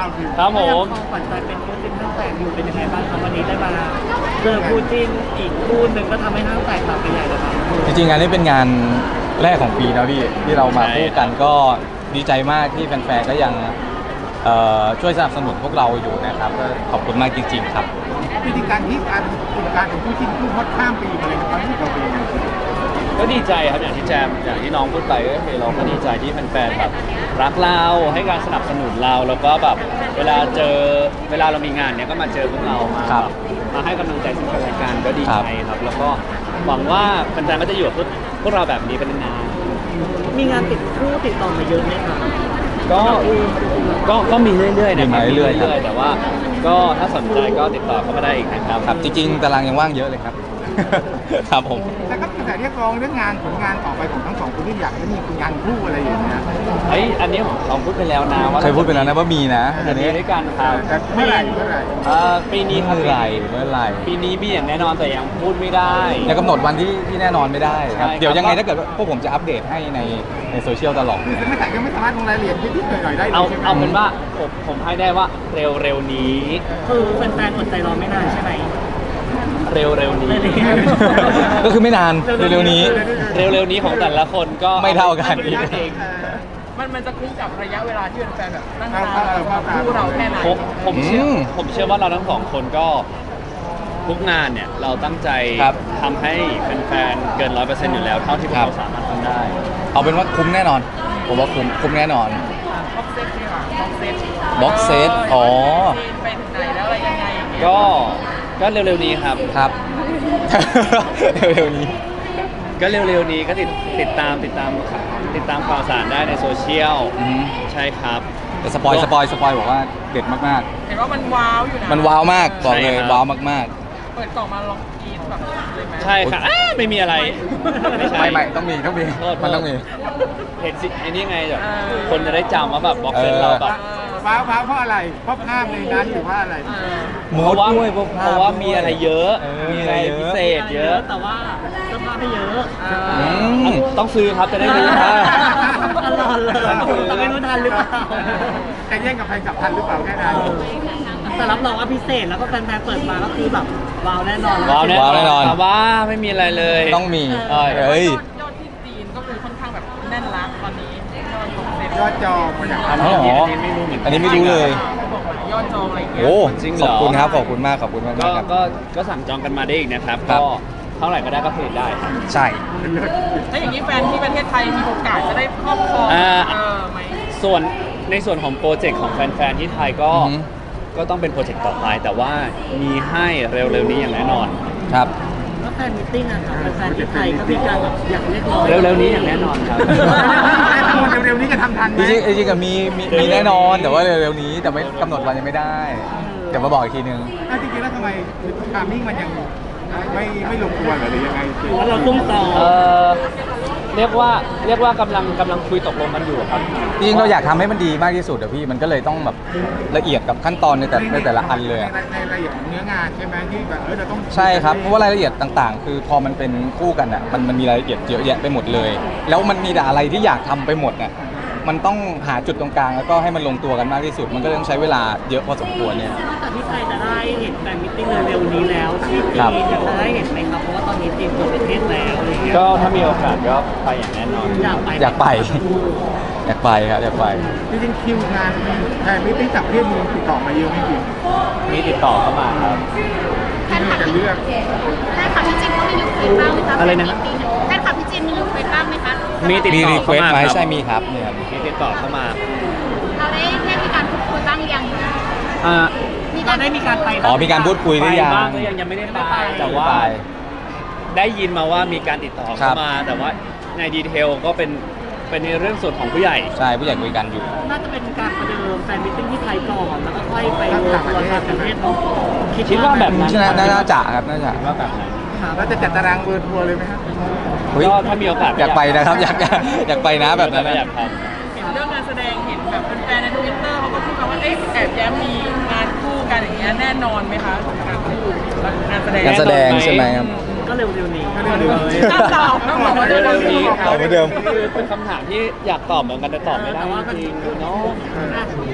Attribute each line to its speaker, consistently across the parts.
Speaker 1: คือ
Speaker 2: ครับผม
Speaker 3: ขวัญใจเป็นคู่จิ้นห้างแตกอยู่เป็นยังไงบ้างครับวันนี้ได้มาเจอคู่จิ้นอีกคู่หนึ่งก็ทำให้ห้างแตกต่างไปใหญ่เลยครับ
Speaker 4: จริงๆงานนี้เป็นงานแรกของปีนะพี่ที่เรามาคู่กันก็ดีใจมากที่แฟนๆก็ยังช่วยสนับสนุนพวกเราอยู่นะครับก็ขอบคุณมากจริงๆครับ
Speaker 1: วิธีการที่การของผู้ชิ้นผู้ฮอตข้ามปีมาเลยนะครับที่เราเป็นยังไง
Speaker 2: ก็ดีใจครับอย่างที่แจมอย่างที่น้องพูดไปก็คือเราก็ดีใจที่แฟนๆแบบรักเราให้การสนับสนุนเราแล้วก็แบบเวลาเรามีงานเนี้ยก็มาเจอพวกเรามา
Speaker 4: ครับ
Speaker 2: มาให้กำลังใจซึ่งกันและกันก็ดีใจครับแล้วก็หวังว่าแฟนๆก็จะอยู่กับพวกเราแบบนี้เป็นนาน
Speaker 3: มีงานติดคู่ติดต่อมาเยอะไหมครับ
Speaker 2: ๆก็มีเรื่อยๆนะครับ
Speaker 4: มีมาเรื่อยๆครับ
Speaker 2: แต่ว่าก็ถ้าสนใจก็ติดต่อเข้ามาได้อีกนะครับ
Speaker 4: ครับจริงๆตารางยังว่างเยอะเลยครับ ครับผม
Speaker 1: แต่ก็มีกระแสเรียกร้องเรื่องงานผลงานต่อไปของทั้งสองคนที่อยากให้มีงานคู่อะไรอย่างเงี้ย
Speaker 2: เฮ้ยอันนี้ของเราพูดไปแล้วนะว่า
Speaker 4: เคยพูดไปแล้วนะว่ามีนะ
Speaker 2: จะมีด้วยกันครับ
Speaker 1: แต่เมื่อไหร่
Speaker 2: ปีนี้ครับ
Speaker 4: เมื่อไหร่
Speaker 2: ปีนี้มีอย่างแน่นอนแต่ยังพูดไม่ได้
Speaker 4: ยังกำหนดวันที่แน่นอนไม่ได้ครับ
Speaker 2: ใช่ครับ
Speaker 4: เดี๋ยวยังไงถ้าเกิดว่าพวกผมจะอัปเดตให้ในโซเชียลตลอด
Speaker 1: คือไม่แต่ยังไม่สามารถลงรายละเอียดนิดๆหน่อยๆได้เลย
Speaker 2: เอา
Speaker 1: ใช่ไหม
Speaker 2: เอาเป็นว่าผมให้ได้ว่าเร็วๆนี้
Speaker 3: คือแฟนๆอดใจรอไม่นานใช่ไหม
Speaker 2: เร็วๆนี้
Speaker 4: ก็คือไม่นานเร็วๆนี้
Speaker 2: เร็วๆนี้ของแต่ละคนก็
Speaker 4: ไม่เท่ากัน
Speaker 2: เอง
Speaker 5: มันจะคุ้มกับระยะเวลาที่แฟนๆแบบนั่งตามคู่เราแค่ไหน
Speaker 2: ผมเชื่อว่าเราทั้งสองคนก็ทุกงานเนี่ยเราตั้งใจ
Speaker 4: ครับ
Speaker 2: ทำให้แฟนๆเกิน 100% อยู่แล้วเท่าที่พวก
Speaker 4: ครับ
Speaker 2: เราสามารถทำได้
Speaker 4: เอาเป็นว่าคุ้มแน่นอน ผมว่าคุ้มแน่นอน
Speaker 5: บ็อกเซตนี่ค่ะบ็อกเซต
Speaker 4: บ็อกเซตอ๋อ
Speaker 5: ไปถึงไหนแล้วอะไรยังไงอย่างเงี้ย
Speaker 2: ก็เร็วๆนี้ครับ
Speaker 4: ครับ เร็วๆนี้
Speaker 2: ก็เร็วๆนี้ก็ติดตามข่าวสารได้ในโซเชียล
Speaker 4: อืม
Speaker 2: ใช่ครับ
Speaker 4: แต่สปอยบอกว่าเด็ดมาก
Speaker 5: เห็นว่ามันว้าวอยู่นะ
Speaker 4: ๆ มันว้าวมากบอกเลย
Speaker 2: ใช่ครับ
Speaker 4: ว้าวมาก
Speaker 5: เปิดกล่องมาลองกรีดแบบเลยไหม
Speaker 2: ใช่ครับไม่มีอะไร ไม่
Speaker 4: ๆ
Speaker 2: ใช่
Speaker 4: ไม่ต้องมีมันต้องมี
Speaker 2: เห็นสิไอ้นี่ไงแบบคนจะได้จำว่าแบบบ็อกเซตเราแบบ
Speaker 1: ว้าวเพราะอะไรเพราะภาพในนั้นหรือว่าอะไร
Speaker 4: มู
Speaker 2: เพราะ
Speaker 4: ด
Speaker 2: ว่า
Speaker 4: ด้วยพวกภาพ
Speaker 2: เพราะว่ามีอะไรเยอะ
Speaker 4: เออ
Speaker 2: มีอะไรพิเศษเยอะ
Speaker 3: แต่ว่าเสื้อผ้าไม่เยอะ
Speaker 4: อืม
Speaker 2: ต้องซื้อครับจะได้รู้
Speaker 4: อ่า
Speaker 3: ตลอดเลยแต่ไม่รู้ทันหรือเปล่า
Speaker 1: จะแย่งกับแฟนกลับทันหรือเปล่าแค่นั้น
Speaker 3: แต่รับรองว่าพิเศษแล้วก็แฟนๆเปิดมาก็คือแบบว้าวแน่นอน
Speaker 2: ว้าวแน่
Speaker 4: ว้าวแน่นอน
Speaker 2: แต่ว่าไม่มีอะไรเลย
Speaker 4: ต้องมี
Speaker 2: เอ้ย
Speaker 5: ยอดที่จีนก็คือค่อนข้างแบบแน่นรักตอนนี้ยอดบ็อกเซต
Speaker 1: ยอดจองมาจาก
Speaker 2: อัน
Speaker 4: อ๋อ
Speaker 2: นี้
Speaker 4: เหรอ
Speaker 2: ไม่รู้เหมือนกั
Speaker 4: อันนี้ไม่รู้เลย
Speaker 5: บอกว่ายอดจองอะไรเงี้ย
Speaker 4: โอ้
Speaker 2: จริงเหร
Speaker 4: ข
Speaker 2: อ
Speaker 4: อบคุณครับขอบคุณมากครับ
Speaker 2: ก็ก็สั่งจองกันมาได้อีกนะครับ
Speaker 4: ครั
Speaker 2: ก็
Speaker 4: บ
Speaker 2: เท่าไหร่ก็ได้ก็ผลิตได้ครับ
Speaker 4: ใช่
Speaker 5: ถ้าอย่างนี้แฟนที่ประเทศไทยมีโอกาสจะได้ครอบครอง
Speaker 2: อ่า
Speaker 5: ไหม
Speaker 2: ในส่วนของโปรเจกต์ของแฟนๆที่ไทยก็
Speaker 4: อือฮึ
Speaker 2: ก็ต้องเป็นโปรเจกต์ต่อไป แต่ว่ามีให้เร็วๆนี้อย่างแน่นอน
Speaker 4: ครับ
Speaker 3: แล้วแฟนมิทติ้งอะค่ะแฟนที่ไทยก็มีการแบบอยากเรียกร้อง
Speaker 2: เร็วๆนี้อย่างแน่นอนครับ
Speaker 1: เร็วๆนี้จะทำทันไหม
Speaker 4: จริงๆก็มีแน่นอนแต่ว่าเร็วๆนี้แต่ไม่กำหนดวันยังไม่ได้ เดี๋ยวมาบอกอีกทีนึง
Speaker 1: จริงๆแล้วทำไมทามมิ่งมันยังไม่ลงตัวหรือยังไง
Speaker 3: หรือว่าเราตุ้มต่อ
Speaker 2: เรียกว่ากำลังคุยตกลงกันอยู่ครับ
Speaker 4: จริงๆเราอยากทำให้มันดีมากที่สุดอะพี่มันก็เลยต้องแบบละเอียดกับขั้นตอนในแต่ละอันเลยอะ
Speaker 1: ในรายละเอียดของเนื้องานใช่ไหมที่แบบเราต้อง
Speaker 4: ใช่ครับเพราะว่ารายละเอียดต่างๆ คือพอมันเป็นคู่กันอ่ะมันมีรายละเอียดเยอะแยะไปหมดเลย แล้วมันมีแต่อะไรที่อยากทำไปหมดอ่ะมันต้องหาจุดตรงกลางแล้วก็ให้มันลงตัวกันมากที่สุด มันก็ต้องใช้เวลาเยอะพอสมควรเนี่ย
Speaker 3: นอกจากที่ไทยจะได้เห็นแฟนมิทติ้งเร็วๆนี้แล้วที่จี
Speaker 4: ครับ
Speaker 3: นจะได้เห็นไหมครับเพราะว่าตอนนี้จีนเปิดประเทศแล้วอะไรเงี้ย
Speaker 2: ก็ถ้ามีโอกาสก็ไปอย่างแน่นอน
Speaker 3: อยากไป
Speaker 4: อยากไปครับอยากไป
Speaker 1: จริงๆคิวงานแทนมิตติ้งจากประเทศมีติดต่อมาเยอะไหมจริง
Speaker 2: มีติดต่อเข้ามาครับ
Speaker 1: ที่จะเลือก
Speaker 6: แฟนคลับพี่จินเขามีรีเควสบ้างไหมคะ
Speaker 2: อะไรนะ
Speaker 6: แฟนคลับพี่จินมีรีเควสบ้างไหมคะ
Speaker 2: มีติด
Speaker 4: มี
Speaker 2: ต่อ
Speaker 4: รีเคว
Speaker 2: เข้า
Speaker 4: ส
Speaker 2: มา
Speaker 4: ไหม
Speaker 2: ครับ
Speaker 4: ใช่มีครับเนี่ยครับ
Speaker 2: มีติดต่อเข้ามา
Speaker 6: เราได้มีการพูดคุยบ้างหรือยัง
Speaker 2: อ่า
Speaker 3: เราได้มีการไป
Speaker 4: อ๋อมีการพูดคุยหรือยัง
Speaker 2: ไปบ้างก็ยังไม่ได้ไปแต่ว่า ได้ยินมาว่ามีการติดต่อ
Speaker 4: ครั
Speaker 2: เข้า
Speaker 4: บ
Speaker 2: มา แต่ว่าในดีเทลก็เป็นในเรื่องส่วนของผู้ใหญ่
Speaker 4: ใช่ผู้ใหญ่คุยกันอยู่
Speaker 3: น่าจะเป็นการประเดิมแฟนมิทติ้งที่ไทยก่อนแล้วก็ค่อยไปทัวร์ต่างประเทศเนาะ
Speaker 2: คิดว่าแบบนั้น
Speaker 4: น่าจะครับน่าจะ
Speaker 2: ว่าแบบนั้น
Speaker 1: เราจะจัดตารางเวิร์ทัวร์เลยไหมครับ
Speaker 4: เฮ้ย
Speaker 2: ก็ถ้ามีโอกาส
Speaker 4: อยากไปนะครับอยากไปนะแบบนั้น
Speaker 2: อยาก
Speaker 4: นะ
Speaker 2: ท
Speaker 5: เห็นเรื่องงานแสดงเห็นแบบแฟนๆในทวิตเตอร์เขาก็พูดมาว่าเอ๊ะแอบแย้มมีงานคู่กันอย่างเงี้ยแน่นอนไหมคะงานคู่งานแสดง
Speaker 4: การแสดงใช่ไหมครับ
Speaker 3: ก็เร็วๆนี้
Speaker 5: ต้องตอบต้องบอกว่าเรื่องนี้
Speaker 4: เอาเหมือนเดิม
Speaker 2: คือเป็นคำถามที่อยากตอบเหมือนกันแต่ตอบไม่ได้จริงๆเนาะ
Speaker 3: อ่ะ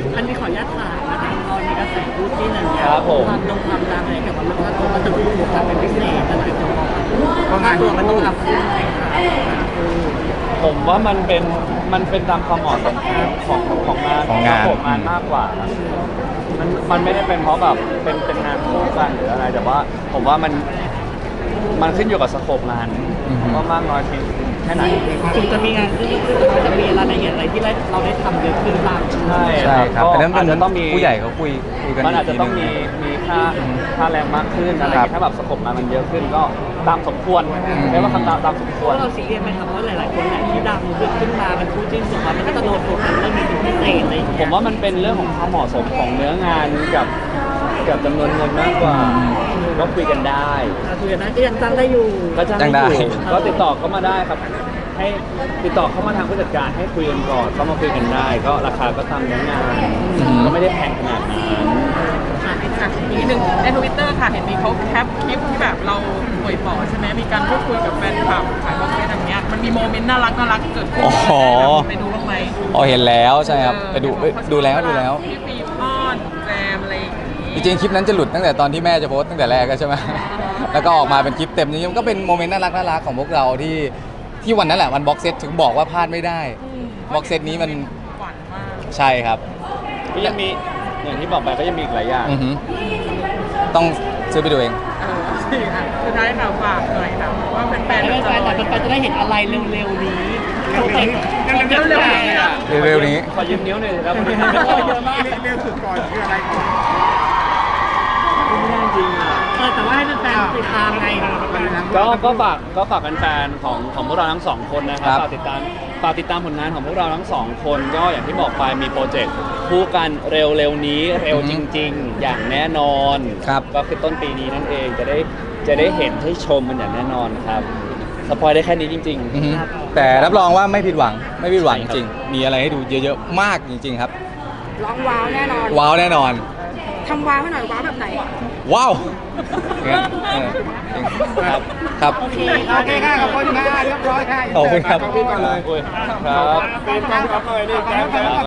Speaker 3: อันนี้ขออนุญาตถามนะคะตอนมีกระแสคู่จิ้นอะไรอย่างเงี้ย
Speaker 2: ครับผม
Speaker 3: ความดังอะไรเกี่ยวกับเรื่องค่าตัวก็จะถูกทำเป็นพิเศษแต่หลายคนมอง
Speaker 1: เพราะงาน
Speaker 3: ตัว
Speaker 1: คู่
Speaker 3: มันต้องรับขึ้นไหมคะ
Speaker 2: ผมว่ามันเป็นตามความเหมาะสมของงาน
Speaker 4: ของงาน
Speaker 2: ของงานมากกว่าครับมันไม่ได้เป็นเพราะแบบเป็นงานคู่กันหรืออะไรแต่ว่าผมว่ามันขึ้นอยู่กับสโคปงานว่ามากน้อยเพียงแค่ไหน
Speaker 3: ถึงจะมีงานขึ้นมันจะมีรายละเอียดอะไรที่เราได้ทำเยอะขึ้นบ้าง
Speaker 2: ใช่
Speaker 4: ใช่ครับ
Speaker 2: ก็
Speaker 4: อันนั้น
Speaker 2: อาจจะต้องมี
Speaker 4: ผู้ใหญ่เขาคุยกัน
Speaker 2: มันอาจจะต้อง
Speaker 4: กที
Speaker 2: มีค่าแรงมากขึ้นอะไรอย่างเงี้ยถ้าแบบสโคปงานมันเยอะขึ้นก็ตามสมควรเรียกว่าคำตามสมควร
Speaker 3: เราซีเรียสไหมครับเพราะหลายๆคนแหละที่ดังขึ้นมาเป็นคู่จิ้นสุดท้ายมันก็จะโดนโฟกัสเรื่องนี้เป็นพิเศษอะไรอย่าง
Speaker 2: ผ
Speaker 3: เงี้ย
Speaker 2: มว่ามันเป็นเรื่องของความเหมาะสมของเนื้องานกับจำนวนเงินมากกว่าก็คุยกันได้
Speaker 3: คุยกันนะก็ยังจ้างได้อยู่
Speaker 2: ก็จ้าง
Speaker 4: จ้างได้
Speaker 2: ได้อยู่ก็ติดต่อเข้ามาได้ครับ ให้ติดต่อเข้ามาทางผู้จัดการให้คุยกันก่อนเข้ามาคุยกันได้ ก็ราคาก็ตามเนื้องานก็ไม่ได้แพงขนาดนั้น
Speaker 5: อีกนิดนึงในทวิตเตอร์ค่ะเห็นมีเขาแคปคลิปที่แบบเราป่วยปอดใช่ไหมมีการพูดคุยกับแฟนคลับขายบ็อกเซตอย่างเงี้ยมันมีโมเมนต์น่ารักเกิดขึ้น
Speaker 4: อ๋อ
Speaker 5: ไปดูบ้างไหม
Speaker 4: อ๋อเห็นแล้วใช่ครับไปดูแล้ว
Speaker 5: พี่ปีป้อนแจมอะไรอย่างงี้
Speaker 4: จริงๆคลิปนั้นจะหลุดตั้งแต่ตอนที่แม่จะโพสต์ตั้งแต่แรกก็ใช่ไหม แล้วก็ออกมาเป็นคลิปเต็มนี้มันก็เป็นโมเมนต์น่ารักของพวกเราที่วันนั้นแหละวันบ็อกเซตถึงบอกว่าพลาดไม่ได้บ็อกเซตนี้มัน
Speaker 5: หวานมาก
Speaker 4: ใช่ครับ
Speaker 2: ก็ยังมีอย่างที่บอกไปก็ยังมีอีกหลายอย่าง
Speaker 4: อือหือต้องซื้อไปดูเอง
Speaker 5: สิค่ะสุดท้ายค่ะฝากหน่อยค่ะว่าแฟนๆ
Speaker 3: แต่
Speaker 5: จะรอ
Speaker 3: แฟนๆจะได้เห็นอะไรเร็วๆนี้
Speaker 5: เร็วๆนี้นะ
Speaker 4: เร็วๆนี้
Speaker 2: ขอยืมนิ้วหน่อยสิครับ
Speaker 3: เยอะมาก
Speaker 1: เร็วสุดก่อนคืออะไรก่อน
Speaker 2: ไม่ได้จริงอ่ะ
Speaker 3: แต่ว่าให้แฟนๆติดตามไง
Speaker 2: ก็ฝากแฟนๆของพวกเราทั้งสองคนนะค
Speaker 4: ครั
Speaker 2: รับบ ฝากติดตามผลงานของพวกเราทั้งสองคนก็อย่างที่บอกไปมีโปรเจกต์คู่กันเร็วๆนี้เร็วจริง ๆ อย่างแน่นอน
Speaker 4: ครับ
Speaker 2: ก็คือต้นปีนี้นั่นเองจะได้เห็นให้ชมมันอย่างแน่นอนครับสปอยได้แค่นี้จริง
Speaker 4: อือหือแต่รับรองว่าไม่ผิดหวังจ
Speaker 2: ใช่ครับ
Speaker 4: ริงๆมีอะไรให้ดูเยอะๆมากจริงๆครับ
Speaker 5: ร้องว้าวแน่นอน
Speaker 4: ว้าวแน่นอน
Speaker 5: ทำว้าวให้หน่อยว้าวแบบไหน
Speaker 4: ว้าวงั้นจริงครับครับ
Speaker 1: โอเคค่ะขอบคุณค่ะเรียบร้อยค่ะ
Speaker 4: ขอบคุณครับ
Speaker 1: ขอบคุณก่อนเลย
Speaker 2: โอ้ยครับ
Speaker 1: เป็นกองทัพเลยนี่